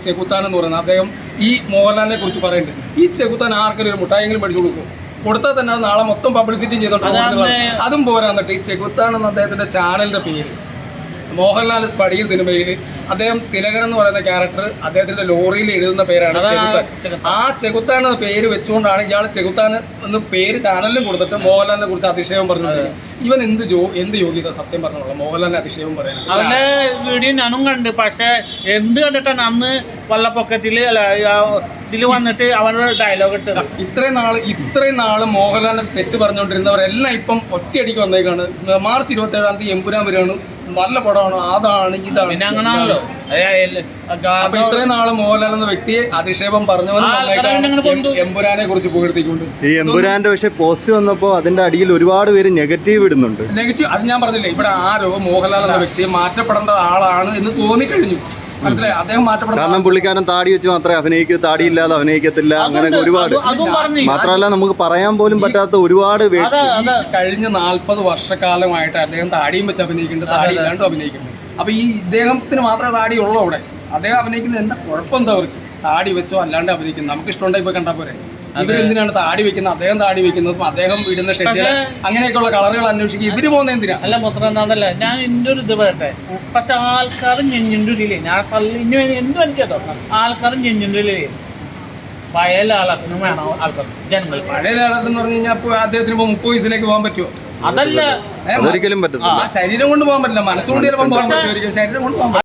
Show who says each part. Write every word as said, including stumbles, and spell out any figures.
Speaker 1: ചെകുത്താൻ എന്ന് പറയുന്നത്. അദ്ദേഹം ഈ മോഹൻലാലിനെ കുറിച്ച് പറയുന്നുണ്ട്, ഈ ചെകുത്താൻ ആർക്കൊരു മുട്ടായെങ്കിലും പഠിച്ചു കൊടുക്കും, കൊടുത്താൽ തന്നെ അത് നാളെ മൊത്തം പബ്ലിസിറ്റി ചെയ്തോണ്ട് അതും പോരാന്നിട്ട് ഈ ചെകുത്താൻ എന്ന അദ്ദേഹത്തിന്റെ ചാനലിന്റെ പേര് മോഹൻലാൽ സ്പടിക സിനിമയിൽ അദ്ദേഹം തിലകൻ എന്ന് പറയുന്ന ക്യാരക്ടർ അദ്ദേഹത്തിന്റെ ലോറിയിൽ എഴുതുന്ന പേരാണ് ചെകുത്താൻ. ആ ചെകുത്താൻ എന്ന പേര് വെച്ചുകൊണ്ടാണ് ഇയാൾ ചെകുത്താൻ എന്ന് പേര് ചാനലിലും കൊടുത്തിട്ട് മോഹൻലാലിനെ കുറിച്ച് അതിശയം പറഞ്ഞത്. ഇവൻ എന്ത് ജോ എന്ത് യോഗ്യത സത്യം പറഞ്ഞോളാം മോഹൻലാലിനെ അതിശയം പറയാൻ.
Speaker 2: അവന്റെ വീഡിയോ ഞാനും കണ്ട്, പക്ഷെ എന്ത് കണ്ടിട്ടാണ് അന്ന് വള്ളപ്പൊക്കത്തില് അല്ല ഇതിൽ വന്നിട്ട് അവനോട് ഡയലോഗ് ഇട്ടത്.
Speaker 1: ഇത്രയും നാള് ഇത്രയും നാള് മോഹൻലാലിനെ തെറ്റ് പറഞ്ഞുകൊണ്ടിരുന്നവരെല്ലാം ഇപ്പം ഒറ്റയടിക്ക് വന്നേക്കാണ്. മാർച്ച് ഇരുപത്തി ഏഴാം തീയതി എമ്പുരാൻ വരികയാണ്, നല്ല പടമാണ്, അതാണ് ഇതാണ്.
Speaker 2: പിന്നെ അങ്ങനാണല്ലോ.
Speaker 1: അപ്പൊ ഇത്രയും നാള് മോഹൻലാൽ എന്ന വ്യക്തിയെ അധിക്ഷേപം പറഞ്ഞവനും എമ്പുരാനെ കുറിച്ച് പുകഴ്ത്തിക്കൊണ്ട്
Speaker 3: ഈ എമ്പുരാന്റെ പക്ഷെ പോസ്റ്റ് വന്നപ്പോ അതിന്റെ അടിയിൽ ഒരുപാട് പേര് നെഗറ്റീവ് ഇടുന്നുണ്ട്.
Speaker 1: നെഗറ്റീവ് അത് ഞാൻ പറഞ്ഞില്ലേ, ഇവിടെ ആരോ മോഹൻലാൽ എന്ന വ്യക്തിയെ മാറ്റപ്പെടേണ്ട ആളാണ് എന്ന് തോന്നിക്കഴിഞ്ഞു. മനസ്സിലായി, അദ്ദേഹം മാറ്റപ്പെടണം.
Speaker 3: കാരണം പുള്ളിക്കാരൻ താടി വെച്ച് മാത്രമേ അഭിനയിക്കൂ, താടിയില്ലാതെ അഭിനയിക്കത്തില്ല, അങ്ങനെ ഒരുപാട്. മാത്രമല്ല നമുക്ക് പറയാൻ പോലും പറ്റാത്ത ഒരുപാട്
Speaker 1: കഴിഞ്ഞ നാല്പത് വർഷക്കാലമായിട്ട് അദ്ദേഹം താടിയും വെച്ച് അഭിനയിക്കുന്നുണ്ട്, താടി ഇല്ലാണ്ടും അഭിനയിക്കുന്നുണ്ട്. അപ്പൊ ഈ ഇദ്ദേഹത്തിന് മാത്രമേ താടി ഉള്ളൂ അവിടെ. അദ്ദേഹം അഭിനയിക്കുന്നത് എന്താ കുഴപ്പം എന്താ അവർക്ക്? താടി വെച്ചോ അല്ലാണ്ട് അഭിനയിക്കുന്നു, നമുക്ക് ഇഷ്ടമുണ്ടായി പോയി കണ്ടാൽ പോരെ. ഇവരെന്തിനാണ് താടി വെക്കുന്നത്, അദ്ദേഹം താടി വെക്കുന്നത്, അദ്ദേഹം ഇടുന്ന ഷെഡിൽ അങ്ങനെയൊക്കെയുള്ള കളറുകൾ അന്വേഷിക്കുക, ഇവര് പോകുന്ന എന്തിനാ?
Speaker 2: അല്ല മൊത്തം എന്താന്നല്ല, ഞാൻ എൻ്റെ ഒരു ഇത് പറയട്ടെ, പക്ഷെ ആൾക്കാർ ഞെഞ്ഞിൻ്റെ ഉള്ളിലേ ഞാൻ തള്ളി ഇനി എന്തും എനിക്കതോ ആൾക്കാർ ഞെഞ്ഞിൻ്റെ ഉള്ളിലേ പഴയ ആളാക്കുന്നു വേണം ആൾക്കാർ ജനങ്ങൾ.
Speaker 1: പഴയ ആളെന്ന് പറഞ്ഞു കഴിഞ്ഞാൽ ഇപ്പോൾ അദ്ദേഹത്തിന് ഇപ്പോൾ മുപ്പത് വയസ്സിലേക്ക് പോകാൻ പറ്റുമോ?
Speaker 2: അതല്ല,
Speaker 3: ഒരിക്കലും പറ്റത്തില്ല.
Speaker 1: ശരീരം കൊണ്ട് പോകാൻ പറ്റില്ല, മനസ്സുകൊണ്ട് ചിലപ്പോൾ പോകാൻ പറ്റും, ശരീരം കൊണ്ട് പോകാൻ പറ്റില്ല.